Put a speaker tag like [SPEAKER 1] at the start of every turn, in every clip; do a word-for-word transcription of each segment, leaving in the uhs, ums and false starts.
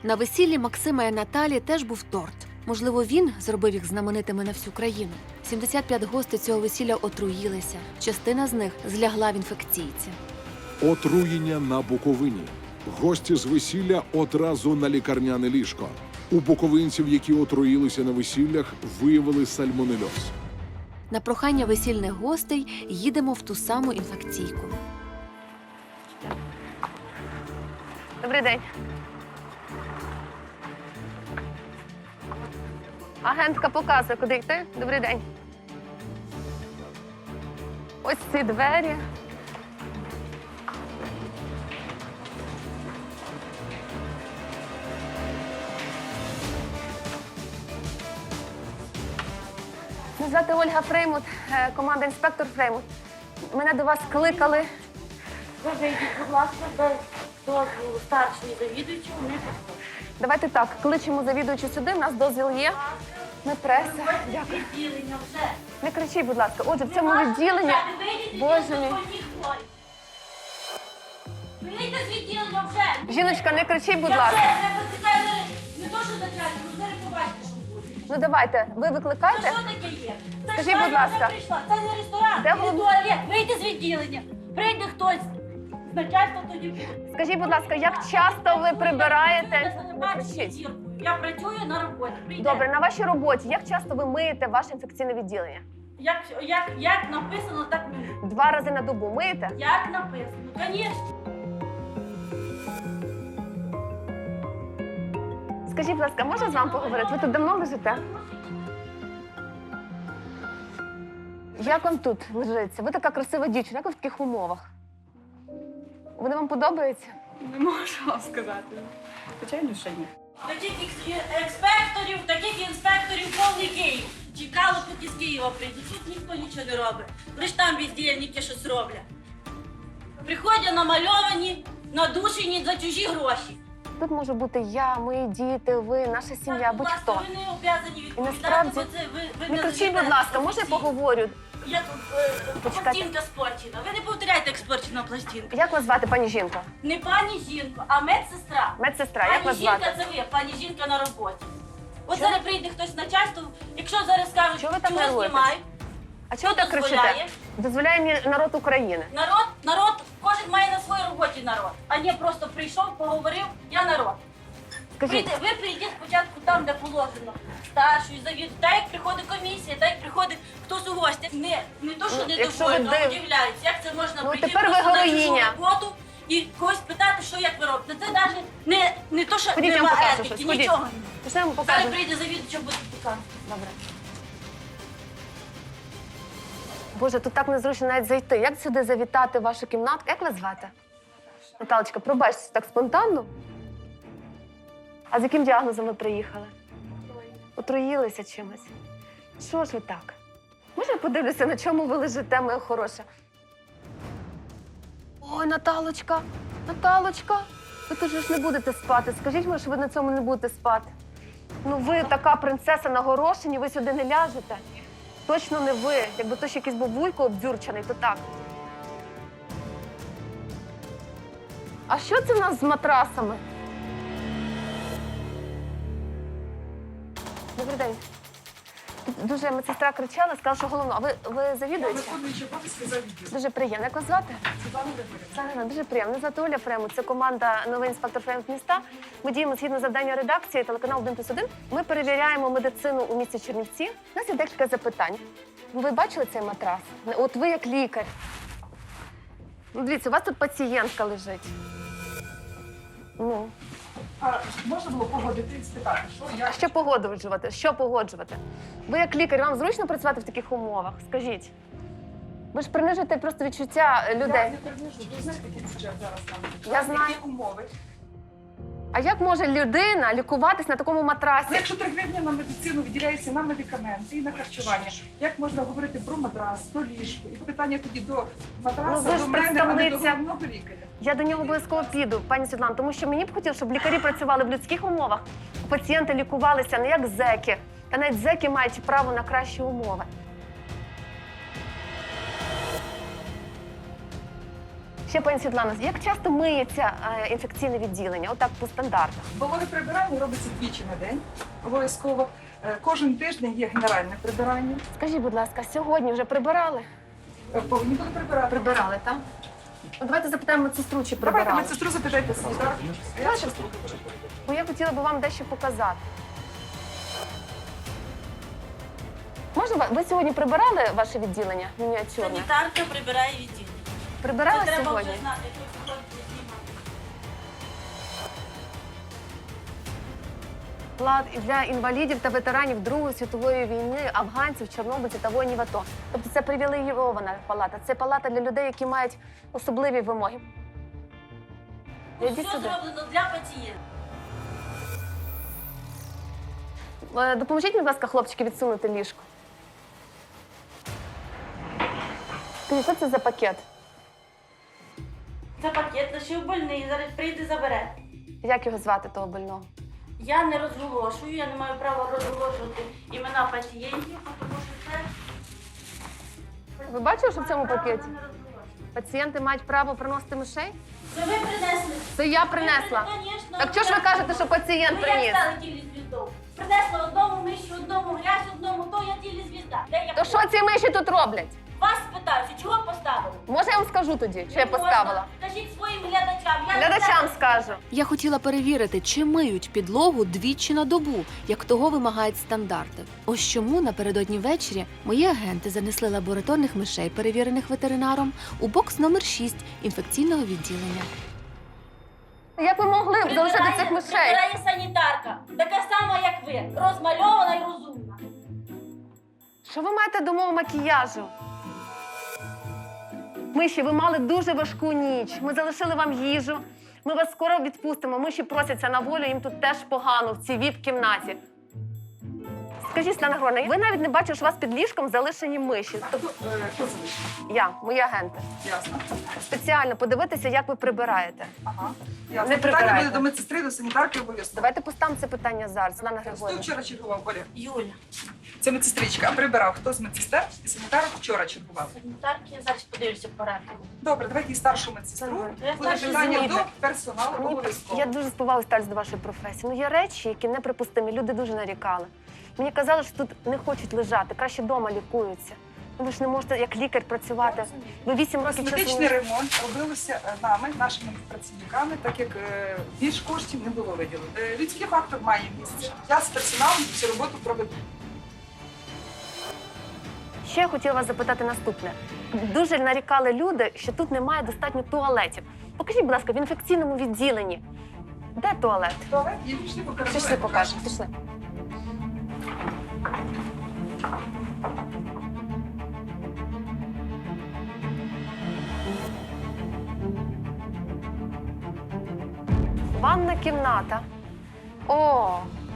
[SPEAKER 1] На весіллі Максима і Наталі теж був торт. Можливо, він зробив їх знаменитими на всю країну. сімдесят п'ять гостей цього весілля отруїлися. Частина з них злягла в інфекційці.
[SPEAKER 2] Отруєння на Буковині. Гості з весілля одразу на лікарняне ліжко. У буковинців, які отруїлися на весіллях, виявили сальмонельоз.
[SPEAKER 1] На прохання весільних гостей їдемо в ту саму інфекційку.
[SPEAKER 3] Добрий день. Агентка показує, куди йти. Добрий день. Ось ці двері. Мене звати Ольга Фреймут, е, команда «Інспектор Фреймут». Мене до вас кликали.
[SPEAKER 4] Ви вийдіть, будь ласка, без дозволу старшої завідуючого не підходить.
[SPEAKER 3] Давайте так, кличемо завідуючу сюди, у нас дозвіл є. Ми преса. Дякую.
[SPEAKER 4] Відділення вже.
[SPEAKER 3] Не кричіть, будь ласка. Отже, в цьому відділенні... Боже мій.
[SPEAKER 4] Вийдіть з відділення вже.
[SPEAKER 3] Жіночка, не кричіть, будь
[SPEAKER 4] Я
[SPEAKER 3] ласка.
[SPEAKER 4] вже не викликаю, не то, що начальник, ну зараз побачите, що буде.
[SPEAKER 3] Ну давайте, ви
[SPEAKER 4] Це
[SPEAKER 3] викликайте.
[SPEAKER 4] що таке є? Це
[SPEAKER 3] Скажіть,
[SPEAKER 4] ж
[SPEAKER 3] будь
[SPEAKER 4] Таня
[SPEAKER 3] ласка.
[SPEAKER 4] вже прийшла. Це не ресторан,
[SPEAKER 3] Де
[SPEAKER 4] не
[SPEAKER 3] голов-
[SPEAKER 4] туалет. Вийдіть з відділення. Прийде хтось. З начальства тоді буде.
[SPEAKER 3] Скажіть, будь ласка, як часто ви прибираєте? Не кричіть.
[SPEAKER 4] Я працюю на роботі. Прийде.
[SPEAKER 3] Добре, на вашій роботі, як часто ви миєте ваше інфекційне відділення?
[SPEAKER 4] Як, як, як написано, так мені.
[SPEAKER 3] Два рази на добу миєте?
[SPEAKER 4] Як написано? Звісно.
[SPEAKER 3] Скажіть, будь ласка, можна з вами поговорити? Ви тут давно лежите? Як вам тут лежиться? Ви така красива дівчина, як ви в таких умовах? Вони вам подобаються?
[SPEAKER 5] Не можу вам сказати. Звичайно, що ні.
[SPEAKER 4] Таких екс- експекторів, таких інспекторів повний Київ. Чекало, поки з Києва прийдуть. Тут ніхто нічого не робить. Лиш там бездільники щось роблять. Приходять намальовані, надушені за чужі гроші.
[SPEAKER 3] Тут може бути я, мої діти, ви, наша сім'я,
[SPEAKER 4] Так, будь ласка,
[SPEAKER 3] будь-хто.
[SPEAKER 4] ви не обов'язані відповідати,
[SPEAKER 3] насправді-
[SPEAKER 4] бо це ви, ви
[SPEAKER 3] Не кричіть,
[SPEAKER 4] живете
[SPEAKER 3] будь ласка, можна я
[SPEAKER 4] професійно.
[SPEAKER 3] поговорю?
[SPEAKER 4] Як е,
[SPEAKER 3] Почекайте.
[SPEAKER 4] пластинка спорчена. Ви не повторяйте, як спорчена пластинка.
[SPEAKER 3] Як вас звати, пані жінко?
[SPEAKER 4] Не пані жінко, а медсестра.
[SPEAKER 3] Медсестра, як
[SPEAKER 4] Пані
[SPEAKER 3] вас
[SPEAKER 4] жінка
[SPEAKER 3] звати?
[SPEAKER 4] це ви, пані жінка на роботі. От
[SPEAKER 3] Чого?
[SPEAKER 4] зараз прийде хтось з начальства, якщо зараз скажуть,
[SPEAKER 3] Чого ви так
[SPEAKER 4] чого
[SPEAKER 3] нервуєтесь?
[SPEAKER 4] знімають,
[SPEAKER 3] А чого ви так кричите?
[SPEAKER 4] дозволяє?
[SPEAKER 3] Дозволяє мені народ України.
[SPEAKER 4] народ, народ, кожен має на своїй роботі народ, а не просто прийшов, поговорив, я народ.
[SPEAKER 3] Скажіть,
[SPEAKER 4] Прийде, ви прийдіть спочатку там, де положено, старшою завідую, так як приходить комісія, так як приходить хтось у гості. Не, не то, що
[SPEAKER 3] Ну, якщо
[SPEAKER 4] недовольно,
[SPEAKER 3] ви
[SPEAKER 4] а
[SPEAKER 3] див-
[SPEAKER 4] удивляються, як це можна
[SPEAKER 3] Ну,
[SPEAKER 4] прийти
[SPEAKER 3] тепер ви
[SPEAKER 4] просто на чужу
[SPEAKER 3] героїня.
[SPEAKER 4] роботу і когось питати, що як ви робите. Це навіть не, не то, що
[SPEAKER 3] ходіть, я вам
[SPEAKER 4] нема
[SPEAKER 3] покажу
[SPEAKER 4] етики,
[SPEAKER 3] щось. Ходіть.
[SPEAKER 4] нічого.
[SPEAKER 3] Пішли, я вам
[SPEAKER 4] Зараз
[SPEAKER 3] покажу.
[SPEAKER 4] прийде завідувача, буде показувати.
[SPEAKER 3] Добре. Боже, тут так незручно навіть зайти. Як сюди завітати в вашу кімнатку? Як вас звати? Наталочка, пробачте, так спонтанно. А з яким діагнозом ви приїхали? Отруїлися чимось. Що ж ви так? Може, я подивлюся, на чому ви лежите, моя хороша? Ой, Наталочка, Наталочка, ви тут же ж не будете спати. Скажіть мені, що ви на цьому не будете спати. Ну ви така принцеса на горошині, ви сюди не ляжете. Точно не ви. Якби то ще якийсь був вуйко обдюрчений, то так. А що це в нас з матрасами? Добрий день. Тут дуже медсестра кричала, сказала, що головно. А ви, ви завідуєте?
[SPEAKER 5] Виконуючи обов'язки за відділ.
[SPEAKER 3] Дуже приємно. Як вас звати?
[SPEAKER 5] Світлана Григорівна.
[SPEAKER 3] Сагана, дуже приємно. Мене звати Оля Фремут. Це команда «Новий інспектор Фремут міста». Ми діємо згідно завдання редакції телеканал один плюс один. Ми перевіряємо медицину у місті Чернівці. У нас є декілька запитань. Ви бачили цей матрас? От ви як лікар. Ну, дивіться, у вас тут пацієнтка лежить. Ну,
[SPEAKER 5] А можна було погодити і спитати, що я...
[SPEAKER 3] а що погоджувати? Що погоджувати? Ви як лікар, вам зручно працювати в таких умовах? Скажіть. Ви ж принижуєте просто відчуття
[SPEAKER 5] Я
[SPEAKER 3] людей.
[SPEAKER 5] не принижу. Ви знаєте, який бюджет зараз там?
[SPEAKER 3] Я знаю.
[SPEAKER 5] Які умови?
[SPEAKER 3] А як може людина лікуватись на такому матрасі?
[SPEAKER 5] Ну, якщо три гривні на медицину виділяється на медикаменти і на харчування, як можна говорити про матрас, про ліжко? І питання тоді до
[SPEAKER 3] Ну,
[SPEAKER 5] матраса,
[SPEAKER 3] ви ж
[SPEAKER 5] до мене, а не до
[SPEAKER 3] представниця.
[SPEAKER 5] головного лікаря.
[SPEAKER 3] Я до нього обов'язково піду, пані Світлана, тому що мені б хотілося, щоб лікарі працювали в людських умовах, пацієнти лікувалися не як зеки, та навіть зеки мають право на кращі умови. Ще, пані Світлана, як часто миється е, інфекційне відділення? Отак по стандартах.
[SPEAKER 5] Вологе прибирання робиться двічі на день. Обов'язково. Е, Кожен тиждень є генеральне прибирання.
[SPEAKER 3] Скажіть, будь ласка, сьогодні вже прибирали?
[SPEAKER 5] Е, Повинні були прибирати.
[SPEAKER 3] Прибирали, так? Ну, давайте запитаємо медсестру, чи
[SPEAKER 5] Давайте
[SPEAKER 3] прибирали.
[SPEAKER 5] медсестру запитайте санітар. Я щас
[SPEAKER 3] Бо я хотіла би вам дещо показати. Можна ви- ви сьогодні прибирали ваше відділення мініатюрне?
[SPEAKER 4] Санітарка прибирає відділення.
[SPEAKER 3] Прибирали
[SPEAKER 4] Це треба
[SPEAKER 3] сьогодні?
[SPEAKER 4] вже знати, хто сьогодні знімати.
[SPEAKER 3] Плат для інвалідів та ветеранів Другої світової війни, афганців, чорнобильців та воїнів АТО. Тобто це привілейована палата. Це палата для людей, які мають особливі вимоги. Ідіть
[SPEAKER 4] Все
[SPEAKER 3] сюди.
[SPEAKER 4] зроблено для пацієнта.
[SPEAKER 3] Е, Допоможіть, будь ласка, хлопчики, відсунути ліжко. Скажіть, що це за пакет?
[SPEAKER 4] Це пакет лишив больний, зараз прийде забере.
[SPEAKER 3] Як його звати, того больного?
[SPEAKER 4] Я не розголошую, я не маю права розголошувати імена пацієнтів, тому що це...
[SPEAKER 3] Ви бачили, що в цьому пакеті?
[SPEAKER 4] Не розголошую.
[SPEAKER 3] Пацієнти мають право приносити мишей?
[SPEAKER 4] Це ви принесли.
[SPEAKER 3] Це я принесла.
[SPEAKER 4] Ви, конечно,
[SPEAKER 3] Так чого ж ви
[SPEAKER 4] я-
[SPEAKER 3] кажете, що пацієнт
[SPEAKER 4] Ну,
[SPEAKER 3] приніс?
[SPEAKER 4] як стали тілі звіздов? Принесла одному миші, одному грязь, одному то, я тілі звізда. Де я
[SPEAKER 3] То що ці миші тут роблять?
[SPEAKER 4] Вас питаюся, чого поставили?
[SPEAKER 3] Може, я вам скажу тоді, що я
[SPEAKER 4] Не можна.
[SPEAKER 3] поставила?
[SPEAKER 4] Кажіть своїм глядачам. Я
[SPEAKER 3] Глядачам
[SPEAKER 4] не
[SPEAKER 3] скажу.
[SPEAKER 1] Я хотіла перевірити, чи миють підлогу двічі на добу, як того вимагають стандарти. Ось чому напередодні ввечері мої агенти занесли лабораторних мишей, перевірених ветеринаром, у бокс номер шість інфекційного відділення.
[SPEAKER 3] Як ви могли б залишити
[SPEAKER 4] Прибирає-
[SPEAKER 3] цих мишей?
[SPEAKER 4] Прибирає санітарка. Така сама, як ви. Розмальована і розумна.
[SPEAKER 3] Що ви маєте до мого макіяжу? Миші, ви мали дуже важку ніч. Ми залишили вам їжу. Ми вас скоро відпустимо. Миші просяться на волю, їм тут теж погано в цій віп-кімнаті. Скажіть, Світлана Григорівна, ви навіть не бачили, що у вас під ліжком залишені миші.
[SPEAKER 5] Хто, е, хто залишив?
[SPEAKER 3] Я, мої агенти.
[SPEAKER 5] Ясно.
[SPEAKER 3] Спеціально подивитися, як ви прибираєте.
[SPEAKER 5] Ага.
[SPEAKER 3] Не
[SPEAKER 5] Ясно. Питання
[SPEAKER 3] прибирайте.
[SPEAKER 5] буде до медсестри, до санітарки обов'язково.
[SPEAKER 3] Давайте поставимо це питання зараз, Світлана
[SPEAKER 5] Хто
[SPEAKER 3] Григорівна.
[SPEAKER 5] вчора чергував, Оля?
[SPEAKER 4] Юля,
[SPEAKER 5] Це медсестричка. А прибирав хто з медсестер і санітарок вчора чергував.
[SPEAKER 4] санітарки, я зараз подивлюся по рекламу.
[SPEAKER 5] Добре, давайте і старшу медсестру.
[SPEAKER 4] Я
[SPEAKER 5] Буде
[SPEAKER 4] старшу
[SPEAKER 5] питання
[SPEAKER 3] зміни.
[SPEAKER 5] до персоналу
[SPEAKER 3] Мені-
[SPEAKER 5] обов'язково.
[SPEAKER 3] Я дуже з повагою ставлюсь до вашої професії. Ну, є речі, які неприпустимі. Люди дуже нарікали. Мені казали, що тут не хочуть лежати, краще вдома лікуються. Ну, ви ж не можете як лікар працювати. Ви вісім років
[SPEAKER 5] Косметичний
[SPEAKER 3] часу.
[SPEAKER 5] ремонт робилося е, нами, нашими працівниками, так як е, більш коштів не було виділено. Е, Людський фактор має місце. Я з персоналом цю роботу проведу.
[SPEAKER 3] Ще я хотіла вас запитати наступне. Дуже нарікали люди, що тут немає достатньо туалетів. Покажіть, будь ласка, в інфекційному відділенні. Де туалет?
[SPEAKER 5] Туалет є, пішли покажемо.
[SPEAKER 3] Пішли, покажемо. Пішли. Ванна кімната. О!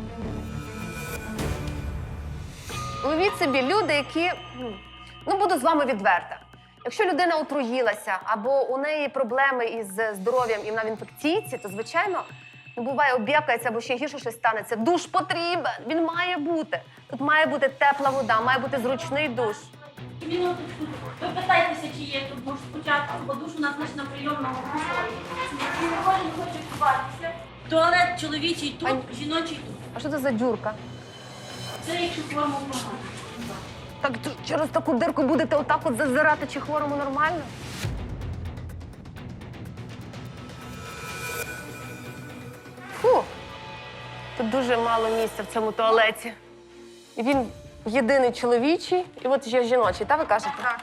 [SPEAKER 3] Уявіть собі, люди, які. Ну, буду з вами відверта. Якщо людина отруїлася або у неї проблеми із здоров'ям і вона в інфекційці, то, звичайно, ну, буває, об'єкається або ще гірше щось станеться. Душ потрібен, він має бути. Тут має бути тепла вода, має бути зручний душ.
[SPEAKER 4] Минуточку. Ви питайтеся, чи є тут душ спочатку, бо душ у нас лише на прийомному покої. І не кожен хоче купатися. Туалет чоловічий тут,
[SPEAKER 3] Ань.
[SPEAKER 4] жіночий тут.
[SPEAKER 3] А що це за дюрка?
[SPEAKER 4] Це якщо форму погано.
[SPEAKER 3] Так т- через таку дирку будете отак от зазирати, чи хворому нормально? Фу! Тут дуже мало місця в цьому туалеті. І він єдиний чоловічий, і от є жіночий, так ви кажете?
[SPEAKER 5] Так.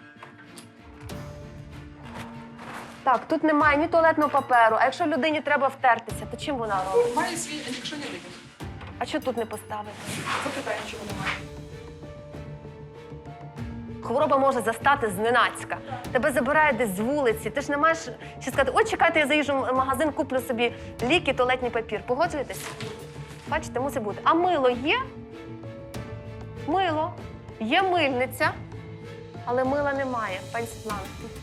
[SPEAKER 3] Так, тут немає ні туалетного паперу, а якщо людині треба втертися, то чим вона робить?
[SPEAKER 5] Має свій, якщо не видно.
[SPEAKER 3] А що тут не поставити?
[SPEAKER 5] Запитаю, чого немає.
[SPEAKER 3] Хвороба може застати зненацька. Тебе забирають десь з вулиці. Ти ж не маєш ще сказати, ой, чекайте, я заїжджу в магазин, куплю собі ліки, туалетний папір. Погоджуєтесь? Бачите, мусить бути. А мило є? Мило. Є мильниця, але мила немає. Пані Світлана.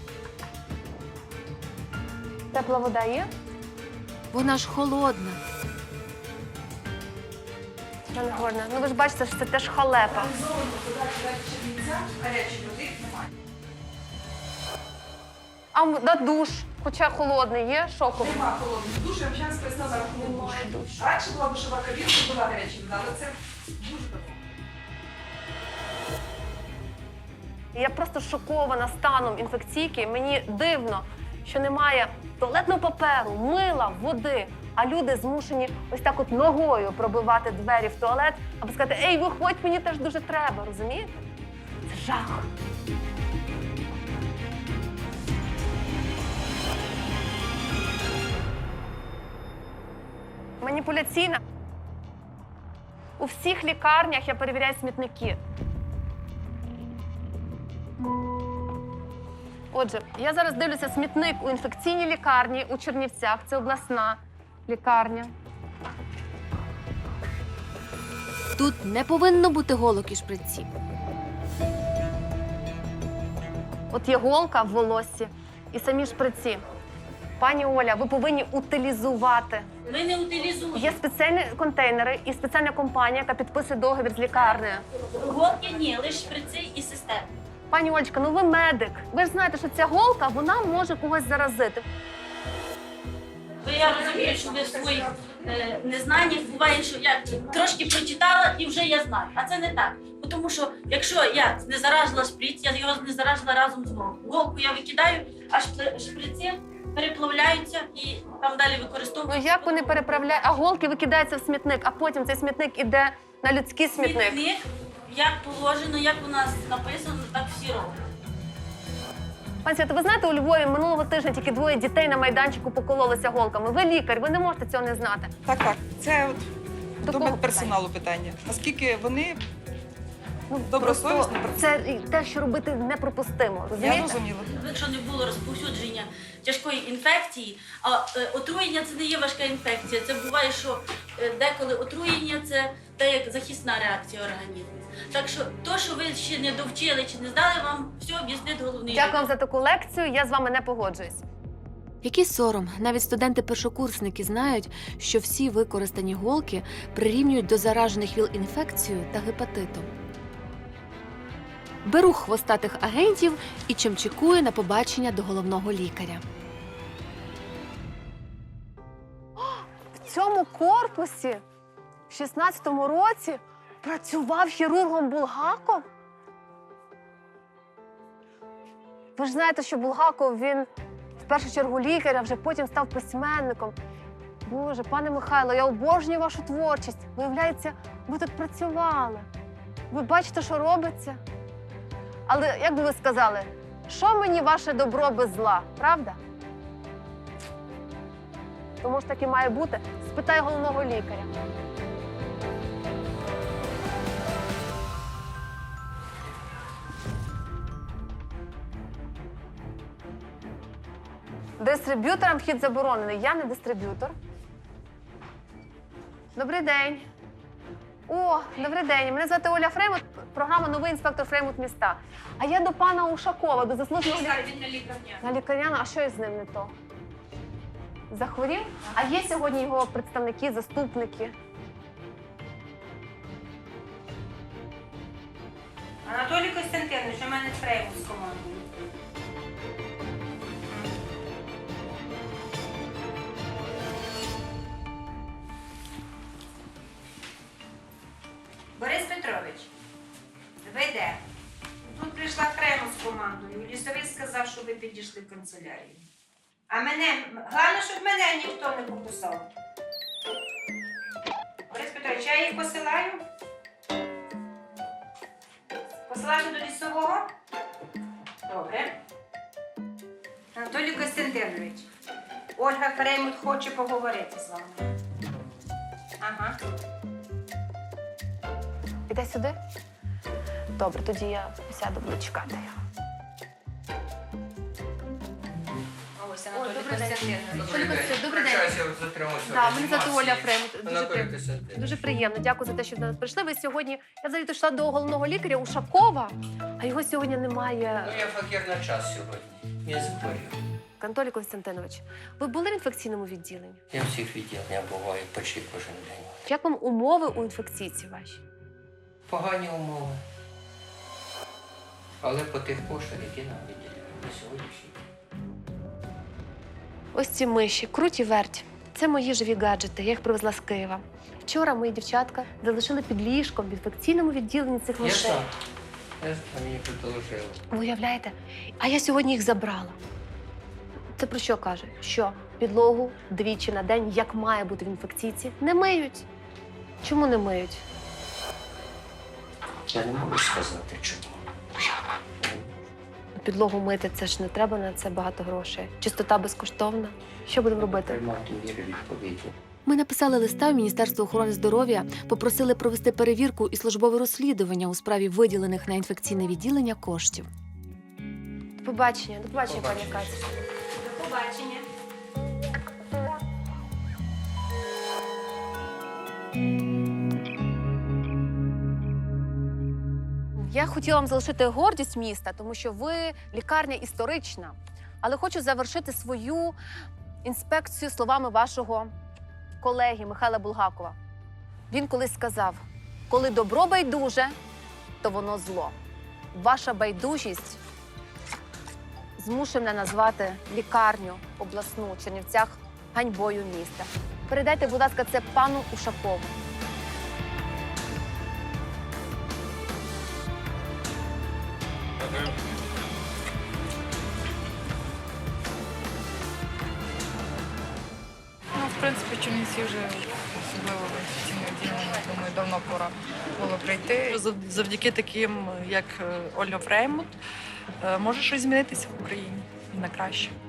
[SPEAKER 3] Тепла вода є?
[SPEAKER 1] Вона ж холодна.
[SPEAKER 3] Світлана Григорівна, ну ви ж бачите, що це теж халепа.
[SPEAKER 5] Зону подачі далі Чернівця, гарячої води немає.
[SPEAKER 3] А м- на душ, хоча холодний, є шоковий?
[SPEAKER 5] Нема холодних душ, я зараз пояснила на рахунок душу. Раніше була душова кабінка, була гаряча вода, але це дуже давно.
[SPEAKER 3] Я просто шокована станом інфекційки. Мені дивно, що немає туалетного паперу, мила, води, а люди змушені ось так от ногою пробивати двері в туалет, аби сказати, ей, виходь, мені теж дуже треба, розумієте? Це жах. Маніпуляційна. У всіх лікарнях я перевіряю смітники. Отже, я зараз дивлюся смітник у інфекційній лікарні у Чернівцях. Це обласна лікарня.
[SPEAKER 1] Тут не повинно бути голок і шприці.
[SPEAKER 3] От є голка в волоссі і самі шприці. Пані Оля, ви повинні утилізувати.
[SPEAKER 4] Ми не утилізуємо.
[SPEAKER 3] Є спеціальні контейнери і спеціальна компанія, яка підписує договір з лікарнею.
[SPEAKER 4] Голки ні, лише шприци і системи.
[SPEAKER 3] Пані Олечка, ну ви медик. Ви ж знаєте, що ця голка, вона може когось заразити.
[SPEAKER 4] Ви, я розумію, що ви в своїх е, незнаннях буває, що я трошки прочитала і вже я знаю. А це не так. Бо Тому що якщо я не заражила шприц, я його не заражила разом з голкою. Голку я викидаю, а шпри- шприці переплавляються і там далі
[SPEAKER 3] Ну
[SPEAKER 4] використовують.
[SPEAKER 3] як вони переправляють? А голки викидаються в смітник, а потім цей смітник іде на людський смітник.
[SPEAKER 4] Смітник, як положено, як у нас написано, так всі роблять.
[SPEAKER 3] Пані Свято, ви знаєте, у Львові минулого тижня тільки двоє дітей на майданчику покололися голками. Ви лікар, ви не можете цього не знати.
[SPEAKER 5] Так, так. Це от
[SPEAKER 3] До
[SPEAKER 5] до
[SPEAKER 3] кого
[SPEAKER 5] медперсоналу питання. Наскільки вони
[SPEAKER 3] Ну,
[SPEAKER 5] добросовісно
[SPEAKER 3] просто
[SPEAKER 5] працюють?
[SPEAKER 3] це те, що робити неприпустимо.
[SPEAKER 5] Я
[SPEAKER 3] Розумієте?
[SPEAKER 5] розуміла.
[SPEAKER 4] Якщо не було розповсюдження тяжкої інфекції, а е, отруєння це не є важка інфекція. Це буває, що е, деколи отруєння це те, як захисна реакція організму. Так що то, що ви ще не довчили чи не здали, вам все об'яснить головний
[SPEAKER 3] Дякую вам
[SPEAKER 4] лікар.
[SPEAKER 3] за таку лекцію. Я з вами не погоджуюсь.
[SPEAKER 1] Який сором, навіть студенти-першокурсники знають, що всі використані голки прирівнюють до заражених ВІЛ-інфекцією та гепатитом. Беру хвостатих агентів і чимчикую на побачення до головного лікаря.
[SPEAKER 3] В цьому корпусі в шістнадцятому році працював хірургом Булгаков. Ви ж знаєте, що Булгаков, він в першу чергу лікар, а вже потім став письменником. Боже, пане Михайло, я обожнюю вашу творчість. Виявляється, ви тут працювали. Ви бачите, що робиться? Але, як би ви сказали, що мені ваше добро без зла, правда? Тому ж так і має бути. Спитай головного лікаря. Дистриб'юторам вхід заборонений. Я не дистриб'ютор. Добрий день. О, добрий день. Мене звати Оля Фреймут, програма «Новий інспектор Фреймут міста». А я до пана Ушакова, до заслуженого лікаря. На лікарняну, а що із ним не то? Захворів? А є сьогодні його представники, заступники?
[SPEAKER 6] Анатолій Костянтинович, у мене Фреймут з командою. Борис Петрович, ви де? Тут прийшла Фреймут з командою. Лісовий сказав, що ви підійшли в канцелярію. А мене, головне, щоб мене ніхто не покусав. Борис Петрович, я їх посилаю? Посилати до лісового? Добре. Анатолій Костянтинович, Ольга Фреймут хоче поговорити з вами. Ага.
[SPEAKER 3] Іде сюди? Добре, тоді я сяду, буду чекати його.
[SPEAKER 6] Ось
[SPEAKER 3] Ой,
[SPEAKER 6] Анатолій
[SPEAKER 3] добрий день.
[SPEAKER 6] Костянтинович.
[SPEAKER 3] Добрий день. Добрий день.
[SPEAKER 7] Вибачаюся, затримався.
[SPEAKER 3] Да, мене звати Оля Фреймут. Дуже,
[SPEAKER 7] Анатолій
[SPEAKER 3] приємно.
[SPEAKER 7] Костянтинович.
[SPEAKER 3] Дуже приємно. Дякую за те, що до нас прийшли. Ви сьогодні, я взагалі йшла до головного лікаря Ушакова, а його сьогодні немає.
[SPEAKER 7] Ну, я факір на час сьогодні. Я захворів.
[SPEAKER 3] Анатолій Костянтинович, ви були в інфекційному відділенні?
[SPEAKER 7] Я всіх відділення буваю почти кожен день.
[SPEAKER 3] Як вам умови у інфекційці ваші?
[SPEAKER 7] Погані умови. Але по тих коштах, які нам виділяють на сьогоднішній день.
[SPEAKER 3] Ось ці миші, круть і верть. Це мої живі гаджети, я їх привезла з Києва. Вчора мої дівчатка залишили під ліжком в інфекційному відділенні цих
[SPEAKER 7] Я
[SPEAKER 3] мишей.
[SPEAKER 7] знаю. Я знаю, мені предложили.
[SPEAKER 3] Ви уявляєте? А я сьогодні їх забрала. Це про що каже? Що підлогу двічі на день, як має бути в інфекційці, не миють. Чому не миють?
[SPEAKER 7] Я не можу сказати, чому.
[SPEAKER 3] Підлогу мити, це ж не треба на це багато грошей. Чистота безкоштовна. Що будемо робити?
[SPEAKER 7] Приймати міри відповідні.
[SPEAKER 1] Ми написали листа в Міністерство охорони здоров'я, попросили провести перевірку і службове розслідування у справі виділених на інфекційне відділення коштів.
[SPEAKER 3] До побачення, до побачення, пані
[SPEAKER 7] Побачення.
[SPEAKER 3] Катя.
[SPEAKER 6] До побачення.
[SPEAKER 3] Я хотіла вам залишити гордість міста, тому що ви лікарня історична. Але хочу завершити свою інспекцію словами вашого колеги Михайла Булгакова. Він колись сказав: коли добро байдуже, то воно зло. Ваша байдужість змушує мене назвати лікарню обласну у Чернівцях ганьбою міста. Передайте, будь ласка, це пану Ушакову.
[SPEAKER 8] Ну, в принципі, Чернівці вже особливо в інфекційне відділення, думаю, давно пора було прийти.
[SPEAKER 9] Зав- Завдяки таким, як е, Ольга Фреймут, е, може щось змінитися в Україні і на краще.